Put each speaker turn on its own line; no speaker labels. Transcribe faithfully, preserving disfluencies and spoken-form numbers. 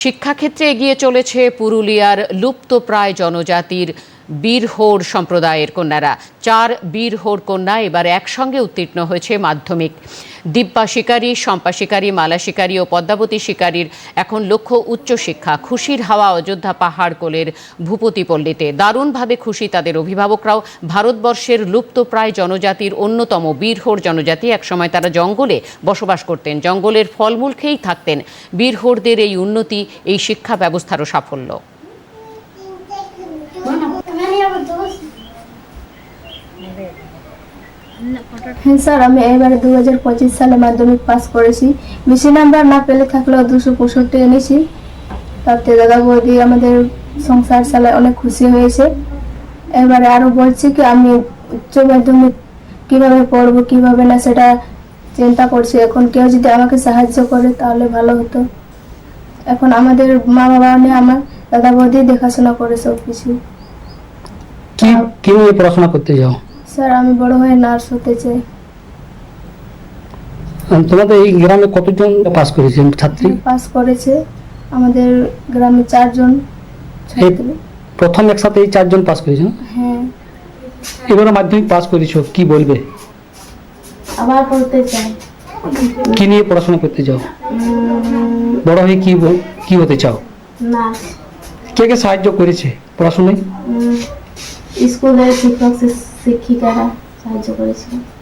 শিক্ষাক্ষেত্রে এগিয়ে চলেছে পুরুলিয়ার লুপ্তপ্রায় জনজাতির বীরহোর সম্প্রদায়ের কন্যারা। চার বীরহোর কন্যা এবার একসঙ্গে উত্তীর্ণ হয়েছে মাধ্যমিক। দিব্যা শিকারী, শম্পা শিকারী, মালা শিকারী ও পদ্মাবতী শিকারীর এখন লক্ষ্য উচ্চশিক্ষা। খুশির হাওয়া অযোধ্যা পাহাড় কোলের ভূপতি পল্লীতে। দারুণভাবে খুশি তাদের অভিভাবকরাও। ভারতবর্ষের লুপ্তপ্রায় জনজাতির অন্যতম বীরহোর জনজাতি। একসময় তারা জঙ্গলে বসবাস করতেন, জঙ্গলের ফলমূল খেয়েই থাকতেন। বীরহোরদের এই উন্নতি এই শিক্ষা ব্যবস্থারও সাফল্য।
হ্যাঁ স্যার, আমি এবারে দু হাজার পঁচিশ সালে মাধ্যমিক পাস করেছি। বেশি নাম্বার না পেলে থাকলেও দুশো পঁয়ষট্টি এনেছি। তাতে দাদা বৌদি আমাদের সংসার চালায় অনেক খুশি হয়েছে। এবারে আরও বলছি কি আমি উচ্চ মাধ্যমিক কীভাবে পড়বো কীভাবে না সেটা চিন্তা করছি। এখন কেউ যদি আমাকে সাহায্য করে তাহলে ভালো হতো। এখন আমাদের মা বাবা নিয়ে আমার দাদা বৌদি দেখাশোনা করে সব কিছু।
কি নিয়ে পড়াশোনা করতে যাও?
স্যার আমি বড় হয়ে নার্স হতে চাই।
তোমাদের এই গ্রামে কতজন পাস করেছে ছাত্রী?
পাস করেছে আমাদের গ্রামে চারজন ছাত্রী।
প্রথম একসাথে এই চারজন পাস করেছে?
হ্যাঁ।
এবারে মাধ্যমিক পাস করেছো, কি বলবে?
আবার পড়তে চাই।
কি নিয়ে পড়াশোনা করতে চাও? বড় হয়ে কি কি হতে চাও?
নার্স।
কে কে সাহায্য করেছে পড়াশোনায়?
স্কুলের শিক্ষক শিক্ষিকারা সাহায্য করেছে।